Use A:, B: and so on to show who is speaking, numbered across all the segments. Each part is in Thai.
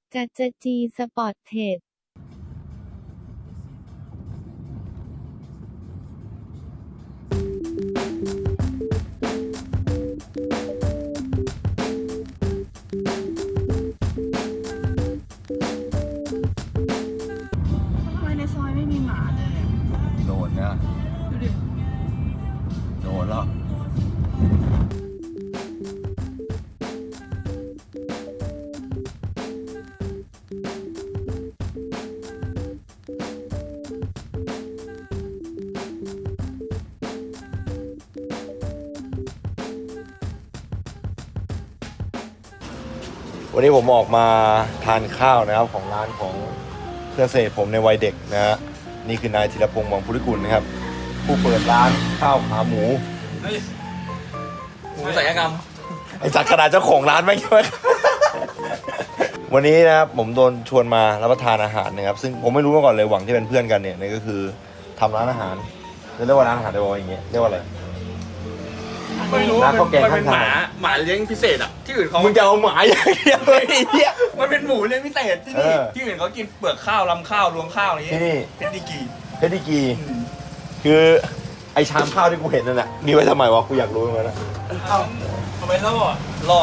A: จัจจีสปอร์ตเทรด
B: ทำไมในซอยไม่มีหมาเลยอะ
C: โดนนะ
B: ดูดิ
C: โดนแล้ววันนี้ผมออกมาทานข้าวนะครับของร้านของเพื่อนสนิทผมในวัยเด็กนะฮะนี่คือนายธีรพงษ์หวังพุทธกุลนะครับผู้เปิดร้านข้าวขาหมู
D: หมูศัลยกรรม
C: ไอ้จักรขนาดเจ้าของร้านไม่ใช่ไหม วันนี้นะครับผมโดนชวนมารับประทานอาหารนะครับซึ่งผมไม่รู้มาก่อนเลยหวังที่เป็นเพื่อนกันเนี่ยนี่ก็คือทำร้านอาหารจะเรียกว่าร้านอาหารได้บอกอย่างเงี้ยเรียกว่าอะไร
D: ไม่รู้
C: ร้านข้าวแกง
D: มันเป็น
C: ข้าง
D: ห
C: ทาง
D: มาเลี้ยงพิเศษอ่ะที่อื่นเขา
C: มึงจะเอาหมาอย่างเดียวเลยไอ้เหี้ย
D: มันเป็นหมูเลี้ยงพิเศษที่นี่
C: เออ
D: ที่อื่นเขากินเปลือกข้าวลำข้าวรวงข้าวอะไรอย่าง
C: ที่
D: เงี้ย
C: นี่
D: เป็นดิกี
C: เพชรดิกีคือไอชามข้าวที่กูเห็นนั่นแหละมีไว้ทำไมวะกูอยากรู้เหมือนกันนะ
D: เอ้าทำไมล่อล่อ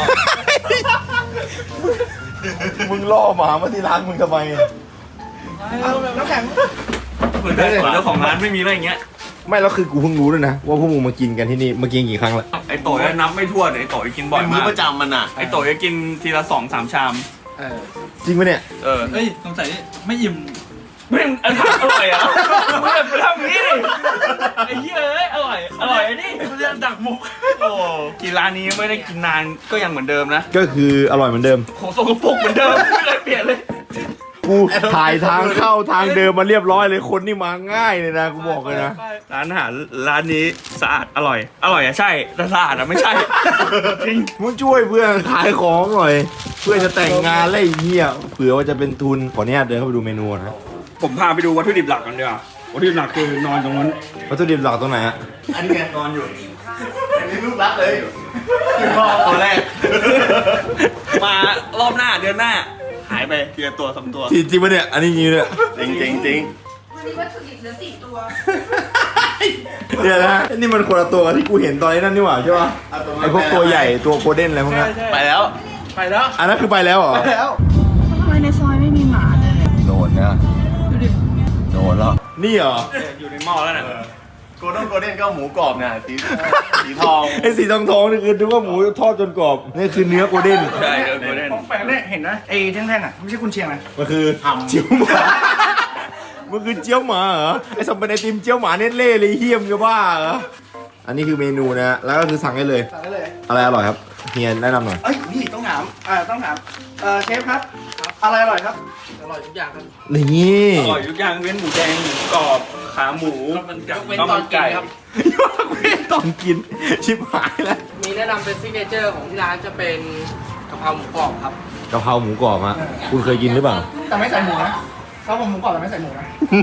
C: มึงล่อหมามาที่ร้านมึงทำไม
D: น้ำแข็งเหมือนเจ้าของร้านไม่มีอะไรอย่างเงี้ย
C: ไม่แล้วคือกูเพิ่งรู้ด้วยนะว่าพวกมึงมากินกันที่นี่มากินกี่ครั้งละ
D: ไอโตยนับไม่ถ้วนไอโตยกินบ่อย
E: เป็นมื้
D: มา
E: อก ประจำมันอ่ะ
D: ไอโตยกินทีละ2-3 ชาม
C: จริงปะเนี่ย
D: เออ
E: เฮ้ยสงสัยไม่อิ่ม
D: ไม่อันอร่อยอ่ะไม่ไปทำอย่างนี้ดิไอ้เหี้ยเอ้ยอร่อยไอ้นี่เรียกดักมุกโอ้กินร้านนี้ไม่ได้กินนานก็ยังเหมือนเดิมนะ
C: ก็คืออร่อยเหมือนเดิม
D: ของสกปรกเหมือนเดิมไม่เคยเปลี่ยนเลย
C: กูถ่ายทางเข้าทางเดิมมาเรียบร้อยเลยคนนี่มาง่ายเลยนะกูบอกเลยนะ
D: ร้านอาหารร้านนี้สะอาดอร่อยอะใช่แต่สะอาดอะไม่ใช่จริง
C: มึงช่วยเพื่อนขายของหน่อย เพื่อจะแต่งงานแล้วไอ้เหี้ยเผื่อว่าจะเป็นทุนขออนุญาตเดินเข้าไปดูเมนูนะ
D: ผมพาไปดูวัตถุดิบหลักกันดีกว่าวัตถุดิบหลักคือนอนตรงนั้น
C: วัตถุดิบหลักตรงไหนฮะ
D: อันนี้ไงนอนอยู่
E: อันนี้ลูกรักเลย
D: ตัวแรก มารอบหน้าเดือนหน้า หายไปทีละตัว3 ตัว
C: จริงปะเนี่ยอันนี้จริงเนี่ย
E: จริงจริงจริง
B: วันนี้วัตถุดิบเหลือ4 ตัว
C: เดี๋ยวนะนี่มันคนละตัวกับที่กูเห็นตอนนี้นั่นนี่หว่าใช่ปะไอพวกตัวใหญ่ตัวโกลเด้นอะไรพวกนั้น
E: ไปแล้ว
C: อันนั้นคือไปแล้วเหรอ
B: ทำไมในซอยไม่มีหมาเลยอะ
C: โดนนะ
B: ดูดิ
C: โดนแล้วนี่เหรอ
D: อยู่ในหม้อแล้วน่ะ
E: โกลเด้นก็หมูกรอบเนี่ยสีทอง
C: ไอสีทองนี่คือนึกว่าหมูทอดจนกรอบนี่คือเนื้อโกลเด้น
D: ใช่โกลเด้น
F: แปลกเนี่ยเห็นนะไอ้แท่งๆอ่ะไม่ใช่กุนเชียงนะ
C: มันคือเจียวหมามันคือเจียวหมาเหรอไอสมเป็นไอติมเจียวหมาเน็ตเล่เลยเฮี้ยมจะบ้าเหรออันนี้คือเมนูนะแล้วก็คือสั่งได้เลย
F: สั่งได้เลย
C: อะไรอร่อยครับเฮียแนะนำหน่อย
F: เอ้ยนี่ต้องถามต้องถามเชฟครับอะไรอร่อยครับ
D: อร่อยทุกอย่างครับ
C: นี่
D: อร่อยทุกอย่างเว้นหมูแดงหมูกรอบขาหมูข้าวมันไก่ครับ
C: ตอนกินชิบหายแล้ว
G: มีแนะนำเป็นซิกเนเจอร์ของที่ร้านจะเป็นกะเพราหมูกรอบครับ
C: กะเพราหมูกรอบฮะคุณเคยกินหรือเปล่า
F: แต่ไม่ใส่หมูนะเขาผมหมูกรอบแต่ไม่ใส่หมูนะ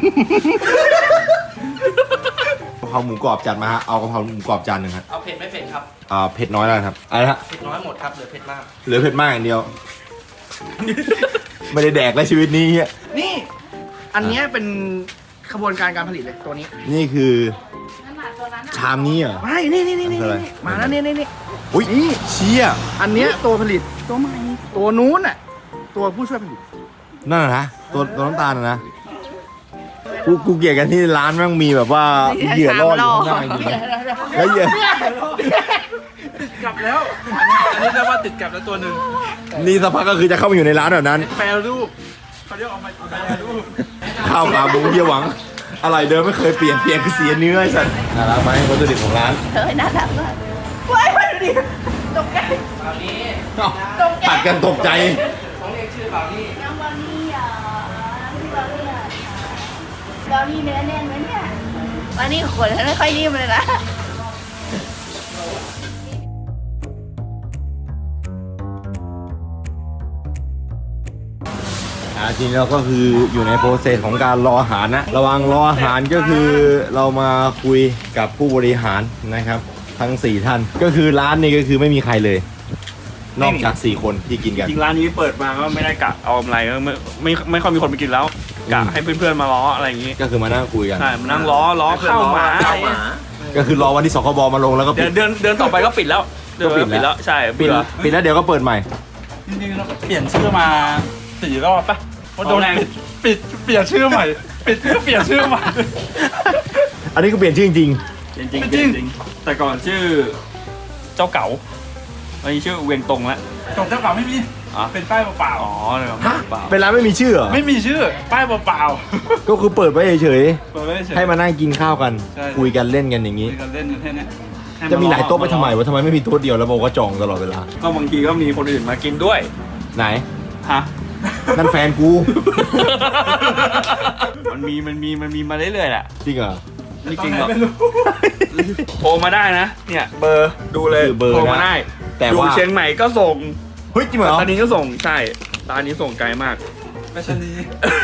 C: กะเพราหมูกรอบจัดมาฮะเอากะเพราหมูกรอบจานหนึ่งฮะ
G: เอาเผ็ดไม่เผ็ดครับ
C: เผ็ดน้อยแล้วครับอะไรฮะ
G: เผ็ดน้อยหมดครับเหลือเผ็ดมาก
C: เหลือเผ็ดมากอย่างเดียว ไม่ได้แดกแล้วชีวิตนี้เหี้ย
F: นี่อันเนี้ยเป็นขบวนการการผลิตเลยตัวนี้
C: นี่คือชามนี้เหรอ
F: ไม่นี่
C: อะไร
F: มาแล้วนี่
C: อุ้ยเชี่ย
F: อันเนี้ยตัวผลิตตัวใหม่ตัวนู้นอ่ะตัวผู้ช่วยผลิต
C: นั่นน่ะนะตัวน้ำตาลน่ะนะกูเกลียดกันที่ร้านแม่งมีแบบว่าเหยื่อล่ออยู่ข้างหน้าจริงๆแล้วเหยื่อก
F: ลับแล้ว
D: อันนี้เรียกว่าติดกับแล้วตัวหนึ่ง
C: นี่สักพักก็คือจะเข้ามาอยู่ในร้านแบบนั้น
D: แปรรูปเขาเรียกออกมาแปรรูป
C: ข้าวขาหมูเฮียหวังอะไรเดิมไม่เคยเปลี่ยนคือเสียเนื้อไอ้สัตว์น่ารักไหมวัตถุดิบของร้าน
B: เฮ้ยน่ารักมากว้ายดูดิตกใจ
G: บราวนี่
C: ตัดกันตกใจ
G: ต้องเรียกชื่อบราวนี่
B: น้องบอลนี่อ่ะพี่บอลนี่อ่ะบอลนี่เนื้อแน่นไหมเนี่ยวันนี้ขนไม่ค่อยนิ่มเลยนะ
C: จริงแล้วก็คืออยู่ในโปรเซสของการรออาหารนะระหว่างรออาหารก็คือเรามาคุยกับผู้บริหารนะครับ ทั้ง4ท่านก็คือร้านนี้ก็คือไม่มีใครเลยนอกจาก4คนที่กินกัน
D: จริงร้านนี้เปิดมาก็ไม่ได้กะเอากำไรก็ไม่ค่อยมีคนไปกินแล้วกะให้เพื่อนๆมาล้ออะไรอย่างงี้
C: ก็คือมานั่งคุยกัน
D: ใช่มานั่งล้อเข้าหมาอะไรเงี้ย
C: ก็คือรอวันที่สคบมาลงแล้วก็ปิด
D: เดือนต่อไปก็ปิดแล้วเดือน
C: ก็ปิด
D: ปิดแล้วใช่
C: ปิด
D: เบื่อ
C: ปิดแล้วเดี๋ยวก็เปิดใหม่
F: จริงๆเราเปลี่ยนชื่อมา4 รอบปะว่าโดน
D: เอาแรง
F: ปิดเปลี่ยนชื่อใหม่ปิดเพื่อเปลี่ยนชื่อใหม่
C: อันนี้ก็เปลี่ยนชื่อจริง
D: จริง
F: จริง
D: จริงแต่ก่อนชื่อเจ้าเก๋าวันนี้ชื่อเวียงตรงแล้ว
F: จบเจ้าเก่าไม่มี
D: อ๋อ
F: เป็นป้ายเปล่า
D: อ๋อเลยครับเปล่า
C: ๆเป็นร้านไม่มีชื่อเหรอ
F: ๆไม่มีชื่อป้ายเปล่า
C: ก็คือเปิดไว้เฉย
F: ๆเปิดไว้เฉย
C: ๆให้มานั่งกินข้าวกัน
F: ใช่
C: คุยกันเล่นกันอย่างนี้
F: คุยกันเล่นกันแค่เนี้ย
C: จะมีหลายโต๊ะไปทำไมวะทำไมไม่มีโต๊ะเดียวแล้วบอกว่าจองตลอดเวลา
D: ก็บางทีก็มีคนอื่นมากินด้วย
C: ไหน
D: ฮะ
C: นั่นแฟนกู
D: มันมีมาเรื่อยๆแหละ
C: จริงเหรอ
D: ไม่จริงหรอก
F: ไม่รู้
D: โทรมาได้นะ เนี่ยเบอร์ดูเลย
C: คือเบอร์
D: โทรมา
C: นะ
D: ได้
C: แต่
D: อยู่
C: ว่า
D: เชียงใหม่ก็ส่ง
C: เฮ้ยจริงเหรอ
D: ตอนนี้ก็ส่งใช่ตอนนี้ส่งไกลมาก
F: ไม่ใช่นี้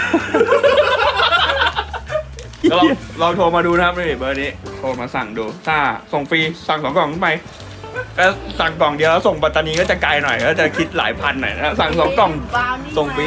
D: ก็ลองโทรมาดูนะครับนี่เบอร์นี้โทรมาสั่งดูถ้าส่งฟรีสั่ง2 กล่องขึ้นไปก็สั่งกล่องเดียวแล้วส่งปัตตานีก็จะไกลหน่อยก็จะคิดหลายพันหน่อยนะสั่ง2 กล่อง ส่งฟรี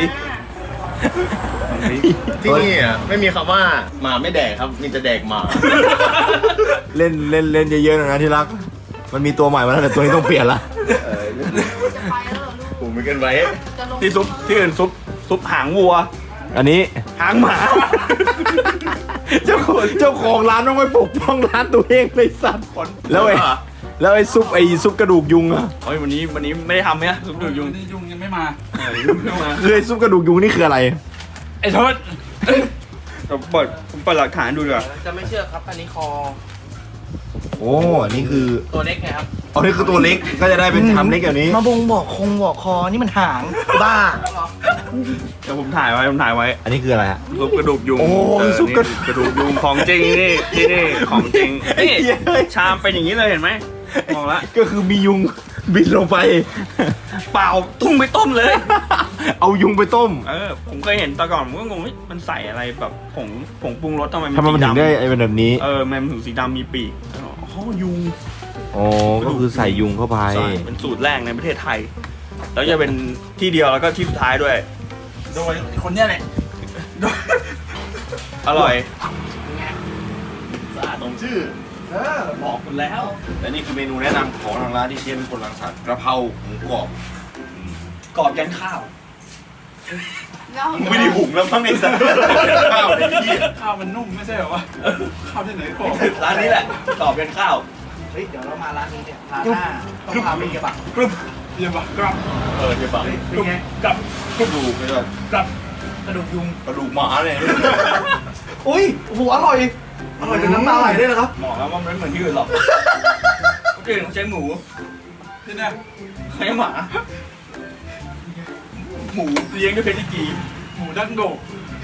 E: ที่นี่อ่ะไม่มีคำว่าหมาไม่แดกครับมีแต่แดกหมา
C: เล่นเยอะๆหน่อยนะที่รัก มันมีตัวใหม่มาแล้วแต่ตัวนี้ต้องเปลี่ยนละ
B: จะไปแล้วเหรอลูก
E: กูไม่กันไว้
B: จะลง
D: ที่ซุปที่อื่นซุปหางวัว
C: อันนี้
D: หางหมา
C: เจ้าของร้านต้องไปปกป้องร้านตัวเองเลยสัตว์แล้วไอ้ซุปกระดูกยุงอะ
D: เฮ้ยวันนี้ไม่ได้ทำเนี่ยซุปดูยุง
F: นี่ยุงยังไม่มา
D: ยุงเข้ามา
C: คือไอ้ซุปกระดูกยุงนี่คืออะไร
F: ไอ้ทศ
D: ผมเปิดหลักฐานดูดีกว่า
G: จะไม่เชื่อครับอันนี้คอ
C: โอ้อันนี้คือ
G: ตัวเล็กไงครับ
C: อันนี้คือตัวเล็กก็จะได้เป็นชามเล็กแบบนี้
F: มาบงบอกคงบอกคอนี่มันหางบ้า
D: เดี๋ยวผมถ่ายไว้
C: อันนี้คืออะไรฮะ
D: ซุปกระดูกยุง
C: โอ้ ซุปกระดูก
D: กระดูกยุงของจริงนี่นี่ของจริงนี่
C: เหี้ยเฮ้ย
D: ชามเป็นอย่างนี้เลยเห็นไหมมองละ
C: ก็คือมียุงบินลงไป
D: เปล่าตุ้มไปต้มเลย
C: เอายุงไปต้ม
D: ผมเคยเห็นแต่ก่อนผมก็งงเฮ้ยมันใส่อะไรแบบผงปรุงรสทำไม
C: ทำไมมันถึงได้ไอ้เป็นแบบนี้
D: มันถึงสีดำมีปีกอ๋อยุง
C: อ๋อ ก็คือใส่ยุงเข้าไป
D: ใช่เป็นสูตรแรกในประเทศไทย แล้วจะเป็นที่เดียวแล้วก็ที่สุดท้ายด้วย
F: โดยคนเนี้ยแหละ
D: อร่อย
E: สะอาดตรงชื่อ
D: บอกคุณแล้ว
C: และนี่คือเมนูแนะนำของทางร้านที่เชฟเป็นคนรังสรรค์กระเพราหมูกรอบ
D: กรอบยันข้าว
C: ไม่ได้หุงแล้วมั้งไอ้สัตว์ข้าวไอ้เหี้ย
F: ข้าวมันนุ่มไม่ใช่เหรอวะข้าวที่ไหนบอก
D: ร้านนี้แหละกรอบยันข้าว
G: เฮ้ย เดี๋ยวเรามาร้านนี้เนี่ยร้านหน้าต้องพาไปเก็บบัก
F: เยี่ยมปะกรับ
C: เดี๋ยวบัง
F: เป็นไง
C: กับกระดูกเลย
F: กรับกระดูกยุง
C: กระดูกหมาเนี่ย
G: อุ้ยหัวอร่อย อร่อยจนน้ำตาไหลได้เลยครับ
D: บอกแล้วว่ามันไม่เหมือนที่อื่นหรอกที่อื่นเขาใช้หมู
F: ที่เนี่ย
D: ใช้หมา หมูเลี้ยงด้วยเพชรกี
F: หมูดั้งโดก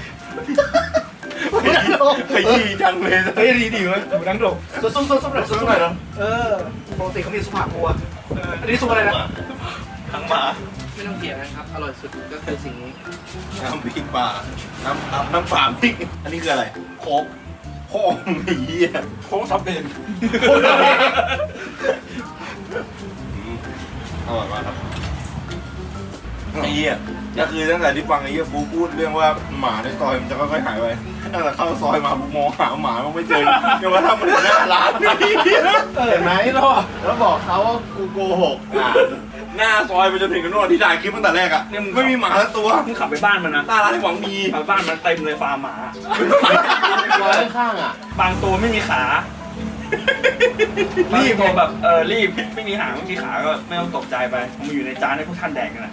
C: ขยี้จังเลย
D: เฮ้ยดีมั้ยหมูดังโดก
G: ซุปหน่อยซุปหน่อยปกติเขามีซุปผักบัวอันนี้ซุปอะไรนะ
D: ทั้งหมา
G: ไม่ต้องเถียงนะครับ อร่อยสุดก็คือสิ่งนี้
C: น้ำพริกปลาน้ำปลาพริก อันนี้คืออะไร
D: โค้ก
C: โค้งไอ้เหี้ย
F: โค้งทำเอง
C: อร่อยมากครับไอ้เหี้ยก็คือตั้งแต่ที่ฟังไอ้เหี้ยฟูพูดเรื่องว่าหมาในซอยมันจะค่อยๆหายไปตั้งแต่เข้าซอยมาผมมองหาหมามันไม่เจอจนกระทั่งมันถึงหน้าร้านนี่
E: เห็นไหมแล้วบอกเขาว่ากูโกหกอ่ะ
C: หน้าซอยไปจนถึงกันโน่นที่ถ่ายคลิปตั้งแต่แรกอะไม่มีหมาสักตัว
D: มึงขับไปบ้านมันนะ
C: หน้าร้านที่หวังมี
D: ขับไปบ้านมันเต็มเลยฟาร์มหมา
E: ร้อยข้างๆอ่ะ
D: บางตัวไม่มีขา รีบตัวแบบรีบไม่มีหางไม่มีขาก็ไม่ต้องตกใจไปมันอยู่ในจานให้พวกท่านแดกกันนะ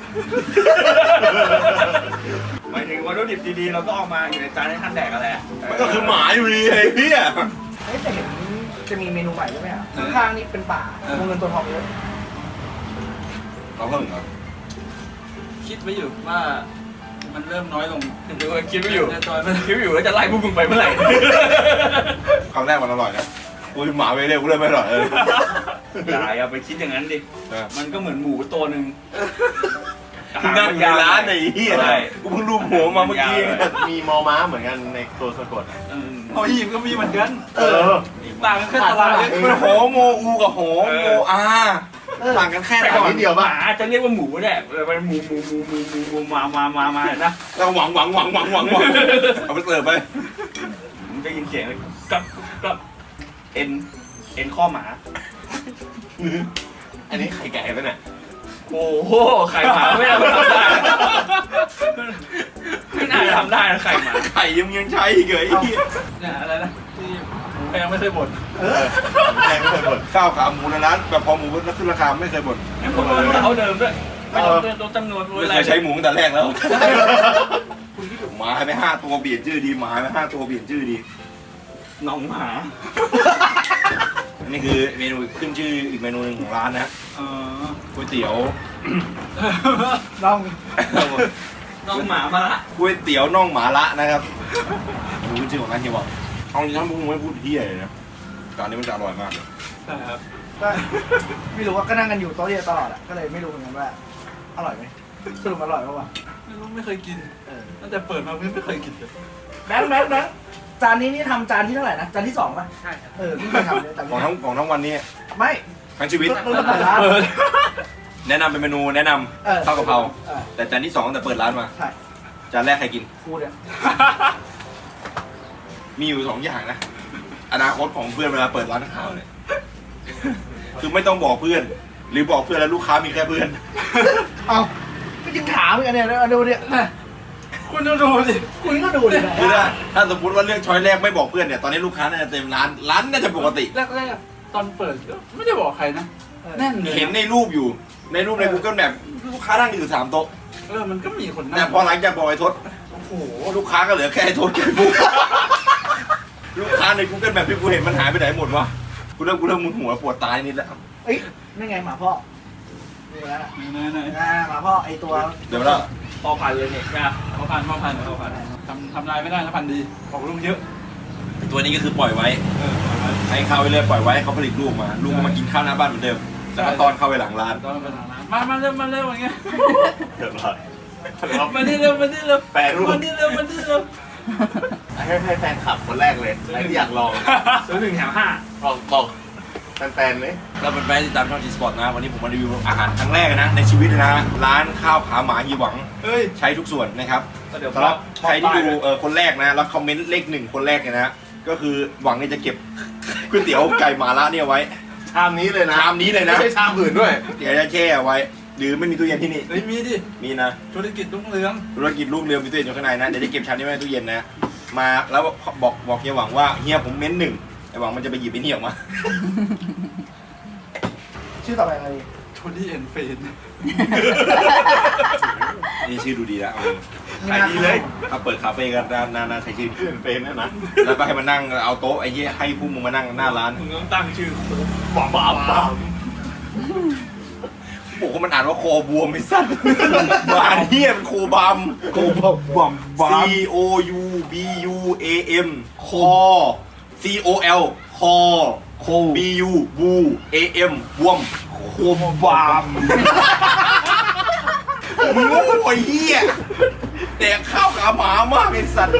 D: หมายถึงวัตถุดิบดีๆเราก็เอามาอยู่ในจานให้ท่านแดกกันแหละ
C: มันก็คือหมาอยู่ดีไอ้เหี้ย
G: เฮ้ยแต่เห็นจะมีเมนูใหม่ใช่ไหมอ่ะข้างๆนี่เป็นป่าตัวเงินตัวทองเยอะ
C: เราก็เหมือนกัน
F: คิดไว้อยู่ว่ามันเริ่มน้อยลง
D: เดี๋ยวคิดไม่อยู่
F: เริ่มน้อยไป
D: คิดไม่อยู่ว่าจะไล่พวกมึงไปเมื่อไหร่
C: ครั้งแรกมันอร่อยนะกูหมาไปเร็วกูเลยไม่อร่อยเลย
D: อย่าไปคิดอย่างนั้นดิ มันก็เหมือนหมูตัวหนึ่ง
C: ที่นั่งอยู่ในร้านไอ้เหี้ย
D: ใช่
C: กูเพิ่งรูปหัวมาเมื่อกี้
E: มีมอม้าเหมือนกันในตัวสะกดอ่ะ
F: เอาอีกก็มีเหมือนกัน
E: เออ
F: ต่างกันแค่ตลาดเลย
C: มันโหโมอูกับโหโมอาต่างกันแค่
D: แต่ก่อน
C: นิดเดียวป่ะ
D: หมาจะเรียกว่าหมูแหละเป็นหมูมานะ
C: เราหวังเอาไปเสิร์ฟไป
D: ผมจะยินเสียงเลยกับเอ็นข้อหมา
C: อันนี้ไข่ไก่ป่ะเนี่ย
D: โอ้โหไข่หมาไม่น่าทำได้ไม่น่าทำได้นะไข่หมา
C: ไข่ยังใช้อีกเหรอไอ้เหี้ย
D: เนี่ยอะไรนะที่หมูแพงไม่เคยบ่น
C: แพงไม่เคยบ่นข้าวขาหมูในร้านแบบพอหมูขึ้นราคาไม่เคยบ่น
D: เขาเดิมด้วยไม่ต้องลดจำนวน
C: ไม่เคยใช้หมูตั้งแต่แรกแล้วหมาให้ไป5 ตัวเปลี่ยนชื่อดีหมาให้ไป5 ตัวเปลี่ยนชื่อดี
D: น้องหมา
C: นี่คือเมนูขึ้นชื่ออีกเมนูหนึ่งของร้านนะก๋วยเตี๋ยว
G: ลอง
D: น้องหมามาละ
C: ก๋วยเตี๋ยวน่องหมาละนะครับดูขึ้นชื่อของร้านเฮียบอกเอาจริงๆพวกมึงไม่พูดเฮียเลยนะจานนี้มันจะอร่อยมากเลย
D: ใช่ครับ
G: ก็ไม่รู้ว่าก็นั่งกันอยู่โต๊ะเดียวตลอดอ่ะก็เลยไม่รู้เหมือนกันว่าอร่อยไหมสรุปอร่อยปะวะ
D: ไม่เคยกินตั้งแต่เปิดมาไม่เคยกินเลย
G: แบงค์จานนี้นี่ทำจานที่เท่าไหร่นะจานที่2ป่ะ
D: ใช่ครับ
G: เพิ่งเคยทำเลยแต่
C: ของทั้งวันนี้
G: ไม่
C: ทั้งชีวิต
G: เริ่มเปิดร้าน
C: แนะนำเป็นเมนูแนะนำข้าวกะเพรา
G: เออ
C: แต่จานที่2ตั้งแต่เปิดร้านมา
G: ใช่
C: จานแรกใครกิน
G: กูเนี่ย
C: มีอยู่2 อย่างนะอนาคตของเพื่อนเวลาเปิดร้านข้าวเนี่ยคือไม่ต้องบอกเพื่อน หรือบอกเพื่อนแล้วลูกค้ามีแค่เพื่อน
G: เอาก็ยังถามเหมือนกันเนี่ยดูเนี่ย
D: คุณดูสิ
G: คุณก็ดูดิ
C: คือถ้าสมมติว่าเรื่องช้อยแรกไม่บอกเพื่อนเนี่ยตอนนี้ลูกค้าน่าจะเต็มร้านน่าจะปกติ
D: แรกๆตอนเปิดก็ไม่ได้บอกใครนะแน่นเลย
C: เห็นในรูปอยู่ในรูปใน Google Map ลูกค้านั่งอยู่3 โต๊ะ
D: มันก็มีคนนั่ง
C: แต่พอหลังจากบอกไอ้ทศ
D: โอ้โห
C: ลูกค้าก็เหลือแค่ไอ้ทศแค่ฟุกลูกค้าใน Google Map ที่กูเห็นมันหายไปไหนหมดวะกูเริ่มมึนหัวปวดตายนิดแล้ว
G: เอ้ยนี่ไงหมาพ่อนี่แล้ว
D: ไหน
G: หมาพ่อไอตัว
C: เดี๋ยวแล้ว
D: พอพันเลยเนี่ยนะพอพันทำลายไม่ได้นะพันดีบอกลูกเยอะ
C: ตัวนี้ก็คือปล่อยไว้ให้เข้าไปเลยปล่อยไว้ให้เขาผลิตลูกมาลูกก็มากินข้าวหน้าบ้านเหมือนเดิมแล้วก็ตอนเข้าไปหลังร้าน
D: ตอนเป็นหลังร้านมาเร็วอย่างเงี้ย
E: เรียบร้อย
D: มานี่เร็ว
E: แปรรูป
D: มานี่เร็ว
E: ให้แฟนขับคนแรกเลยใครที่อยากลอง
D: ซื้อ1 แถม
E: บอกแฟนๆเลย
C: เราเป็นแฟนติดตามช่อง G-Sport นะวันนี้ผมมารีวิวอาหารครั้งแรกนะในชีวิตเลยนะร้านข้าวขาหมายีหวัง
D: เฮ้ย
C: ใช้ทุกส่วนนะครับ
D: เดี๋ยว
C: สำหรับใครที่ดูคนแรกนะแล้วคอมเมนต์เลข 1คนแรกเนี่ยนะก็คือหวังเนี่ยจะเก็บก๋วยเตี๋ยวไก่หมาล่าเนี่ยไว้
E: ชามนี้เลยนะ
C: ชามนี้เลยนะ
E: ไม่ใช่ชามอื่นด้วย
C: เดี๋ยวจะแช่ไว้หรือไม่มีตู้เย็นที่นี่
D: เฮ้ยมีดิ
C: มีนะ
D: ธุรกิจรุ่งเรือง
C: ธุรกิจลูกเรือมีตู้เย็นอยู่ข้างในนะเดี๋ยวจะเก็บชามนี้ไว้ในตู้เย็นนะมาแล้วบอกเฮียหวังว่าเฮียผมเม้น1ไอ้หวังมันจะไปหยิบไอ้นี่ออกมา
G: ชื่อต่อไปอะไร
D: โทนี่เอ็นเฟน
C: นี่ชื่อดูดีแล้ว
E: ขายดีเลย
C: ถ้าเปิดคาเฟ่ก็น่าใช้ชื่อ
E: เพื่อนเป็นนะนะ
C: แล้วก็ให้มานั่งเอาโต๊ะไอ้เหี้ยให้พวกมึงมานั่งหน้าร้าน
D: มึงต้องตั้งชื่อ
E: บ้า
C: บอกว่ามันอ่านว่าโคบวมไม่สั้นบ้านเหี้ยมันโคบามโคบาม C O U B U A M คอ C O L คอ B U บู A M บวมโคบามมึงโง่เหี้ยแต่ข้าวขาหมามากไอ้สัตว์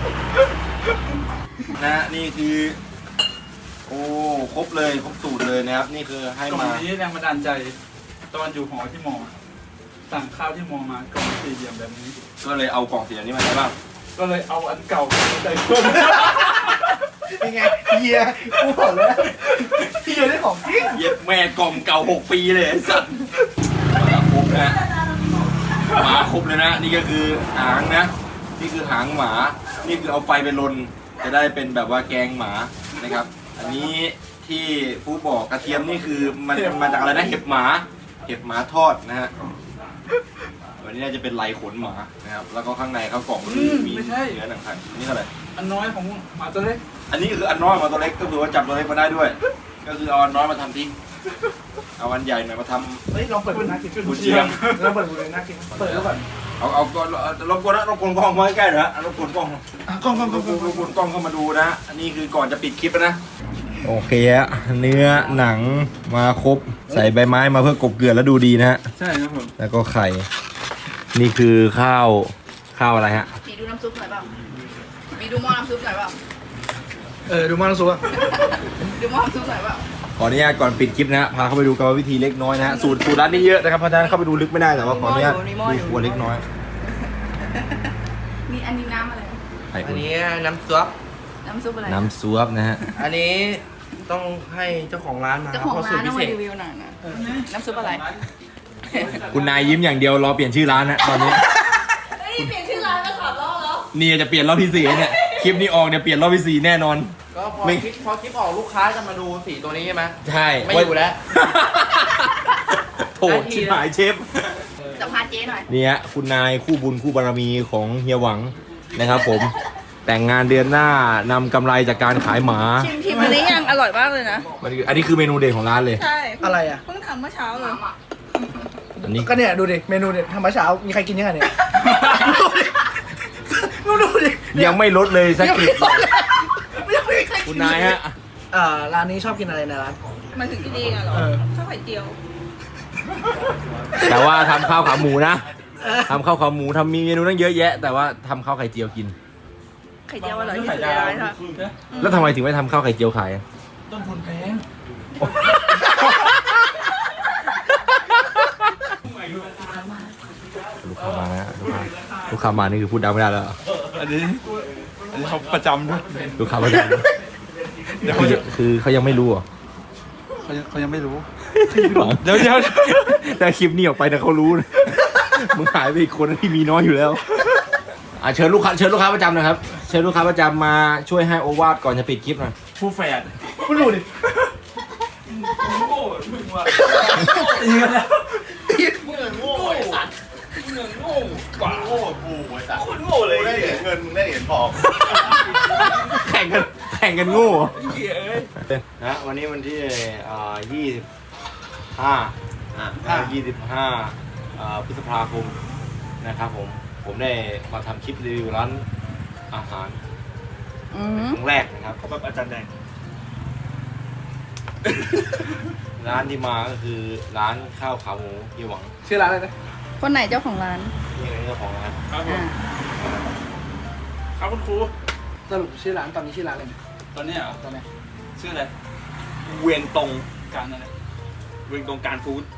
C: นะนี่คือโอ้ครบเลยครบสูตรเลยนะครับนี่คือให้
D: กล่อง
C: มา
D: นี้แรงบันดาลใจตอนอยู่หอที่มอสั่งข้าวที่มอมากล่องสี่เหลี่ยมแบบนี้
C: ก็เลยเอากล่องสีนี้มาใช้บ้าง
D: ก็เลยเอาอันเก่าใส่เพิ่ม
G: เป็นไงเฮียกูบอกเลยเฮียได้ของจริง
C: เย็บแม่กล่องเก่า6 ปีเลยไอ้สัตว์ครบนะหมาครบเลยนะนี่ก็คือหางนะนี่คือหางหมานี่คือเอาไฟไปลนจะได้เป็นแบบว่าแกงหมานะครับ อันนี้ที่ฟูบอกกระเทียมนี่คือมันมาจากอะไรนะเห็บหมาทอดนะฮะวันนี้น่าจะเป็นลายขนหมานะครับแล้วก็ข้างในข้าวกล่องก็คือมีเนื้อหนังไก่นี่เท่าไหร่
D: อันน้อยของหมาตัวเล็ก
C: อันนี้คืออันน้อยมาตัวเล็กก็คือว่าจับตัวเล็กมาได้ด้วย ก็คือเอาอันน้อยมาทำทิ้งเอาอันใหญ่หน่อยมาทำ
G: เฮ้ยลองเปิดดูนะกิน
C: กุเชียง
G: ลองเปิดดูเลยนะกินเปิดแล้วก่อน
C: เอารบกวนนะรบกวนกล้องมาใกล้ๆหน่อยนะรบกวนกล้อง
G: กล้อง
C: รบกวนกล้องเข้ามาดูนะอันนี้คือก่อนจะปิดคลิปนะโอเคฮะเนื้อหนังมาครบใส่ใบไม้มาเพื่อกบเกลือแล้วดูดีนะฮะ
D: ใช่ครับผม
C: แล้วก็ไข่นี่คือข้าวอะไรฮะ
B: มีดูน้ำซุปหน่อยเปล่ามีดูหม้อน้ำซุปหน่อยเปล่า
G: ดูมาแล้วสัว
B: ดูหม้อน้ำซุปหน่อยเปล่า
C: ขออนุญาตก่อนปิดคลิปนะฮะพาเข้าไปดูกรรมวิธีเล็กน้อยนะฮะสูตรร้านนี้เยอะนะครับเพราะฉะนั้นเข้าไปดูลึกไม่ได้แต่ว่าขออนุญาตดูครัวเล็กน้อย
B: มีอันนี้น้ำอะไร
G: อันนี้น้ำซุป
B: น้ำซุปอะไร
C: น้ำซุปนะฮะ
G: อันนี้ต้องให้เจ้าของร้านมา
B: เจ้าของ
G: พะ
B: ร้าน
G: สู
B: เอา
G: ต
B: มา
G: พิ
B: รี
G: เศษ
B: วิวหน่อยนะน้ำซุปอะไร
C: คุณนายยิ้มอย่างเดียวรอเปลี่ยนชื่อร้านนะตอนนี้
B: เฮ้ยเปลี่ยนชื่อร้านมา3 รอบแล้ว
C: นี่จะเปลี่ยนรอบที่สี่เนี่ยคลิปนี้ออกเนี่ยเปลี่ยนรอบที่สี่แน่นอน
G: ก็พอ
C: ไม่
G: คลิปออกลูกค้าจะมาดูสีตัวนี้ใช่ไหม
C: ใช่
G: ไม่อยู่แล้ว
C: โถชิบหายเชฟ
B: สัมภาษณ์เจ๊หน่อย
C: นี่ฮะคุณนายคู่บุญคู่บารมีของเฮียหวังนะครับผม แต่งงานเดือนหน้านำกำไรจากการขายหมา
B: ชิมอันนี้ยังอร่อยมากเลยนะ
C: อันนี้คือเมนูเด่นของร้านเลย
B: ใช่
G: อะไรอ่ะ
B: เพิ่งทำเมื่อเช้าเลย
C: อันนี้
G: ก็เนี่ยดูดิเมนูเนี่ยทำมาเช้ามีใครกินยังไงเนี่ยดูดิ
C: ยังไม่ลดเลยสักกลิด
G: ยังไม่มีใคร
C: คุณนายฮะ
G: ร้านนี้ชอบกินอะไรในร้าน
B: มันถึงจะดีอ่ะเหรอ
G: เออ
B: ชอบไข่เจียว
C: แต่ว่าทำข้าวขาหมูนะทำข้าวขาหมูทำมีเมนูตั้งเยอะแยะ แต่ว่าทำข้าวไข่เจียวกิน
B: ไข่เจียวอร่อยที่สุดในร้านค่ะ
C: แล้วทำไมถึงไม่ทำข้าวไข่เจียวขายอะ
G: ต้นทุนแพง
C: ลูกค้ามานะลูกค้ามานี่คือพูดดังไม่ได้แล้วเหรอ
D: อันนี้เขาประจำด้วย
C: ลูกค้ามาดังคือเขายังไม่รู้เหรอ
D: เขายังไม่รู้
C: หวังแต่คลิปนี้ออกไปนะเขารู้นะมึงหายไปอีกคนที่มีน้อยอยู่แล้วเชิญลูกค้าประจำนะครับเชิญลูกค้าประจำมาช่วยให้โอวาทก่อนจะปิดคลิปหน่อย
D: ผู้แฝด
G: คุณดูดิ
D: โง่มึงว่ะ
E: โง่ไอ้สัตว์
D: โง่กว่า
E: โง่กูไอ้สัตว์
D: โง่เลย
E: ได้เหรียญเงินได้เหรียญทอง
C: แข่งกันโง่นะวันนี้วันที่25 พฤษภาคมนะครับผมได้มาทำคลิปรีวิวร้านอาหาร
B: อืม
C: ครั้งแรกนะครับ
D: เขาแบบอาจารย์แดง
C: ร้านที่มาก็คือร้านข้าวขาหมูเฮียหวัง
G: ชื่อร้านอะไรนะ
B: คนไหนเจ้าของร้าน
C: นี่เป็นเจ้าของร้าน
D: ครับผม
B: อ่า
D: ครับคุณครู
G: สรุปชื่อร้านตอนนี้ชื่อร้านอะไรเนี่ย
D: ตอนนี้เหรอ
G: ตอนเนี้ย
D: ชื่ออะไร เวียงตรงการอะไร เวียงตรงการฟู้ด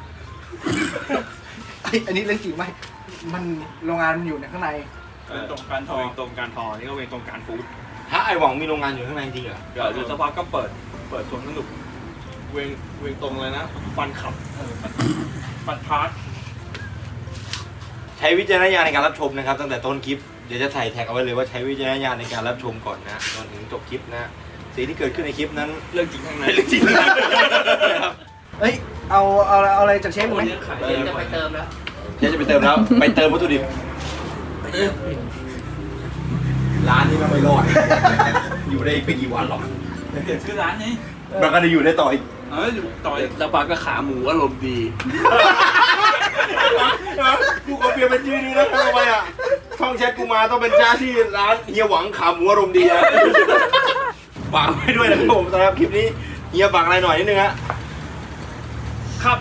G: อันนี้เรื่องจริงไหมมันโรงงานมันอยู่ในข้างใน
D: เวียงตรงการทอเวียงตรงการทอ นี่ก็เวียงตรงการฟู้ด
C: ฮะไอหวังมีโรงงานอยู่ข้างในจริงเหรอ
D: เดี๋ยวสักพักก็เปิดสวนสนุก เวียงตรงเลยนะ ฟันขับ ฟันพาร์ท
C: ใช้วิจารณญาณในการรับชมนะครับตั้งแต่ต้นคลิปเดี๋ยวจะใส่แท็กเอาไว้เลยว่าใช้วิจารณญาณในการรับชมก่อนนะจนถึงจบคลิปนะสิ่งที่เกิดขึ้นในคลิปนั้น
D: เรื่องจริงข้างใน
C: เป็นเรื่องจริงนะครับ
G: เฮ้ยเอาอะไรจากเชฟไหม
C: จะไปเติมแล้วจะไปเติมแล้วไปเติมวัตถุดิบร้านนี้มันไม่รอดอยู่ได้อีกไม่กี่วันหรอก
D: เปลี่ยนชื่อร้านนี้
C: มันก็จะอยู่ได้ต่ออีก
D: ต่อยแล้วปากก็ขาหมูอารมณ์ดี
C: กูขอเปลี่ยนเป็นชื่อนี้นะทำไมอ่ะช่องแชทกูมาต้องเป็นจ้าที่ร้านเฮียหวังขาหมูอารมณ์ดีนะฝากไว้ด้วยนะครับผมสำหรับคลิปนี้เฮียฝากอะไรหน่อยนิดนึงฮะ
D: ครับ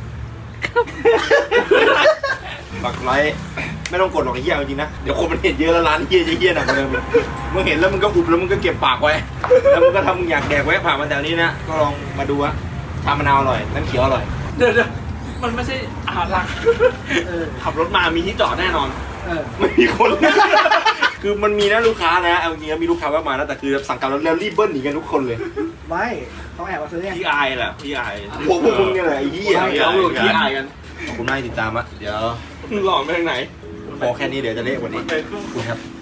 C: ฝากไลค์ไม่ต้องกดหรอกไอ้เหี้ยจริงๆนะเดี๋ยวคนมันเห็นเยอะแล้วร้านเหี้ยจะเหี้ยหนักกว่าเดิมเลยมึงเห็นแล้วมึงก็อุบแล้วมึงก็เก็บปากไว้แล้วมึงก็ทำมึงอยากแดกไว้ผ่านมาแถวนี้นะก็ลองมาดูว่าชามะนาวอร่อยน้ำเขียวอร่อย
D: เดี๋ยวมันไม่ใช่อาหารหลักขับรถมามีที่จอดแน่นอน
C: ไม่มีคน คือมันมีนะลูกค้านะเอาจริงๆมีลูกค้าแวะมานะแต่คือสั่งกลับแล้วรีบเบิ้ลหนีกันทุกคนเลย
G: ไม่เขาแอบมาซื้อเนี่ย
D: พี่อายแหละพี่อาย
C: พวกมึงเนี่ยแหละไอ้เหี้ย
D: เขาหลุดพี่อายกัน
C: ขอบคุณมากที่ติดตามอะเดี๋ยว
D: หล่อไปทางไหน
C: พอแค่นี้เดี๋ยวจะเละกว่านี้ขอบคุณครับ